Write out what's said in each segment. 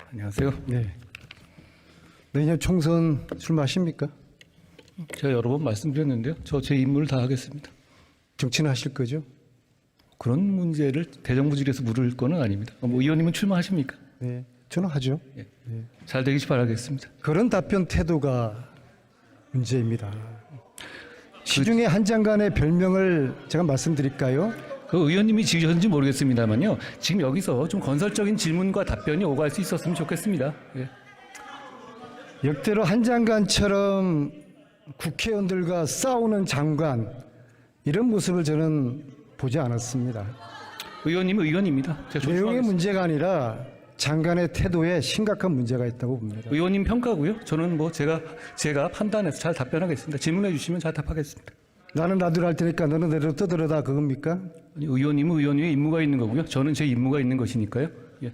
안녕하세요. 네. 내년 총선 출마하십니까? 제가 여러 번 말씀드렸는데요. 저 제 임무를 다 하겠습니다. 정치는 하실 거죠? 그런 문제를 대정부질에서 물을 거는 아닙니다. 뭐 의원님은 출마하십니까? 네. 저는 하죠. 예. 네. 잘 되길 바라겠습니다. 그런 답변 태도가 문제입니다. 시중에 한 장관의 별명을 제가 말씀드릴까요? 그 의원님이 지으셨는지 모르겠습니다만요. 지금 여기서 좀 건설적인 질문과 답변이 오갈 수 있었으면 좋겠습니다. 예. 역대로 한 장관처럼 국회의원들과 싸우는 장관, 이런 모습을 저는 보지 않았습니다. 의원님은 의원입니다. 제가 내용의 존중하겠습니다. 문제가 아니라 장관의 태도에 심각한 문제가 있다고 봅니다. 의원님 평가고요. 저는 뭐 제가 판단해서 잘 답변하겠습니다. 질문해 주시면 잘 답하겠습니다. 나는 나대로 할 테니까 너는 내로 떠들어다, 그겁니까? 아니, 의원님은 의원님의 임무가 있는 거고요. 저는 제 임무가 있는 것이니까요. 예.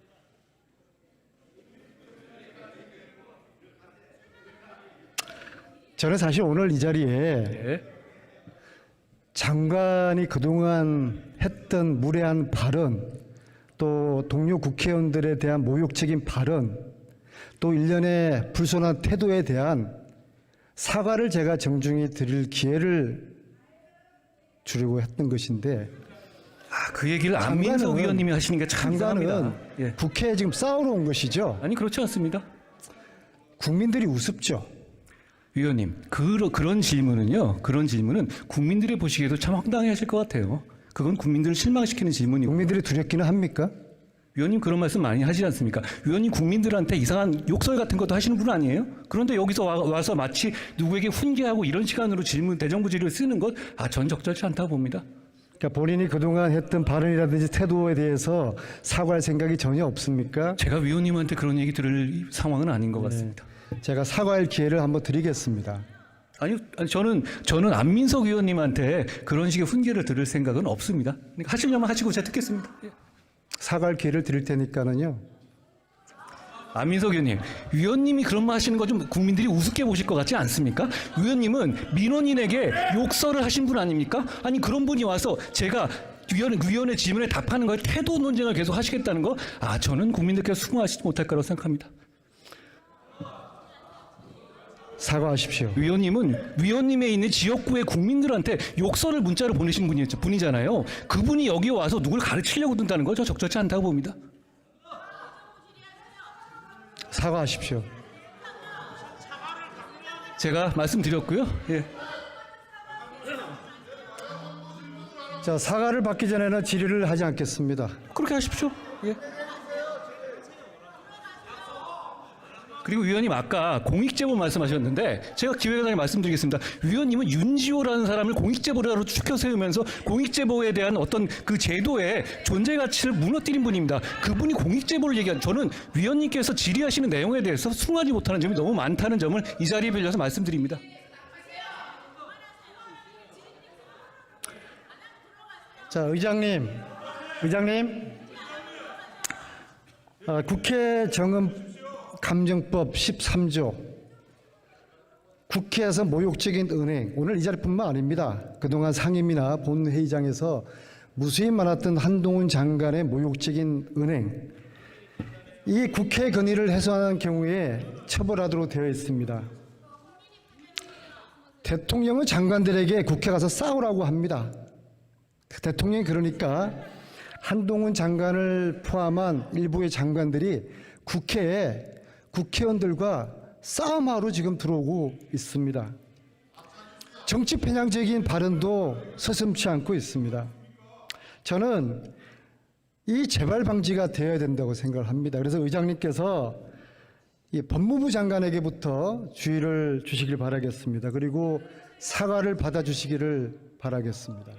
저는 사실 오늘 이 자리에 예. 장관이 그동안 했던 무례한 발언, 또 동료 국회의원들에 대한 모욕적인 발언, 또 일련의 불손한 태도에 대한 사과를 제가 정중히 드릴 기회를 주려고 했던 것인데, 그 얘기를 안민석 의원님이 하시는 게 참 장관은 이상합니다. 예. 국회에 지금 싸우러 온 것이죠. 아니 그렇지 않습니다. 국민들이 우습죠. 위원님, 그런 질문은요. 그런 질문은 국민들이 보시기에도 참 황당해하실 것 같아요. 그건 국민들을 실망시키는 질문이고. 국민들이 두렵기는 합니까? 위원님 그런 말씀 많이 하시지 않습니까? 위원님 국민들한테 이상한 욕설 같은 것도 하시는 분 아니에요? 그런데 여기서 와서 마치 누구에게 훈계하고 이런 시간으로 대정부 질의를 쓰는 것, 전 적절치 않다고 봅니다. 그러니까 본인이 그동안 했던 발언이라든지 태도에 대해서 사과할 생각이 전혀 없습니까? 제가 위원님한테 그런 얘기 들을 상황은 아닌 것 같습니다. 제가 사과할 기회를 한번 드리겠습니다. 아니 저는 안민석 의원님한테 그런 식의 훈계를 들을 생각은 없습니다. 그러니까 하시려면 하시고 제가 듣겠습니다. 예. 사과할 기회를 드릴 테니까는요. 안민석 의원님, 위원님이 그런 말 하시는 거 좀 국민들이 우습게 보실 것 같지 않습니까? 위원님은 민원인에게 욕설을 하신 분 아닙니까? 아니 그런 분이 와서 제가 위원의 질문에 답하는 거에 태도 논쟁을 계속 하시겠다는 거, 저는 국민들께서 수긍하시지 못할 거라고 생각합니다. 사과하십시오. 위원님은 위원님에 있는 지역구의 국민들한테 욕설을 문자로 보내신 분이잖아요. 그분이 여기 와서 누굴 가르치려고 든다는 거죠. 적절치 않다고 봅니다. 사과하십시오. 제가 말씀드렸고요. 예. 자, 사과를 받기 전에는 질의를 하지 않겠습니다. 그렇게 하십시오. 예. 그리고 위원님 아까 공익제보 말씀하셨는데 제가 기획단에 말씀드리겠습니다. 위원님은 윤지호라는 사람을 공익제보자로 추켜 세우면서 공익제보에 대한 어떤 그 제도의 존재 가치를 무너뜨린 분입니다. 그분이 공익제보를 저는 위원님께서 질의하시는 내용에 대해서 수긍하지 못하는 점이 너무 많다는 점을 이 자리에 빌려서 말씀드립니다. 자, 의장님. 국회 정음 감정법 13조, 국회에서 모욕적인 은행, 오늘 이 자리뿐만 아닙니다. 그동안 상임이나 본회의장에서 무수히 많았던 한동훈 장관의 모욕적인 은행, 이 국회 건의를 해소하는 경우에 처벌하도록 되어 있습니다. 대통령은 장관들에게 국회 가서 싸우라고 합니다. 대통령이 그러니까 한동훈 장관을 포함한 일부의 장관들이 국회에 국회의원들과 싸움하러 지금 들어오고 있습니다. 정치 편향적인 발언도 서슴지 않고 있습니다. 저는 이 재발 방지가 되어야 된다고 생각을 합니다. 그래서 의장님께서 이 법무부 장관에게부터 주의를 주시길 바라겠습니다. 그리고 사과를 받아주시기를 바라겠습니다.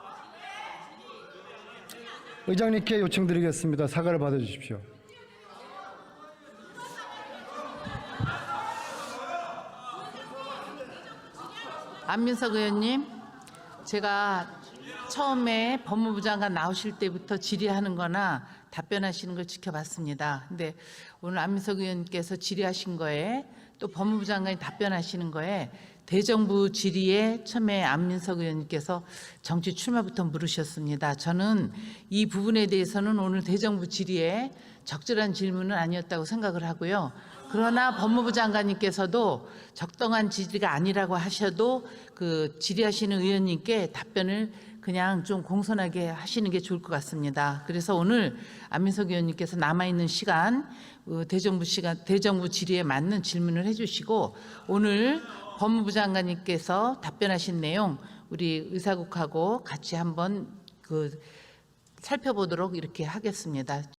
의장님께 요청드리겠습니다. 사과를 받아주십시오. 안민석 의원님, 제가 처음에 법무부 장관 나오실 때부터 질의하는 거나 답변하시는 걸 지켜봤습니다. 근데 오늘 안민석 의원께서 질의하신 거에 또 법무부 장관이 답변하시는 거에 대정부 질의에 처음에 안민석 의원님께서 정치 출마부터 물으셨습니다. 저는 이 부분에 대해서는 오늘 대정부 질의에 적절한 질문은 아니었다고 생각을 하고요. 그러나 법무부 장관님께서도 적당한 질의가 아니라고 하셔도 그 질의하시는 의원님께 답변을 그냥 좀 공손하게 하시는 게 좋을 것 같습니다. 그래서 오늘 안민석 의원님께서 남아있는 시간, 대정부 질의에 맞는 질문을 해주시고, 오늘 법무부 장관님께서 답변하신 내용 우리 의사국하고 같이 한번 살펴보도록 이렇게 하겠습니다.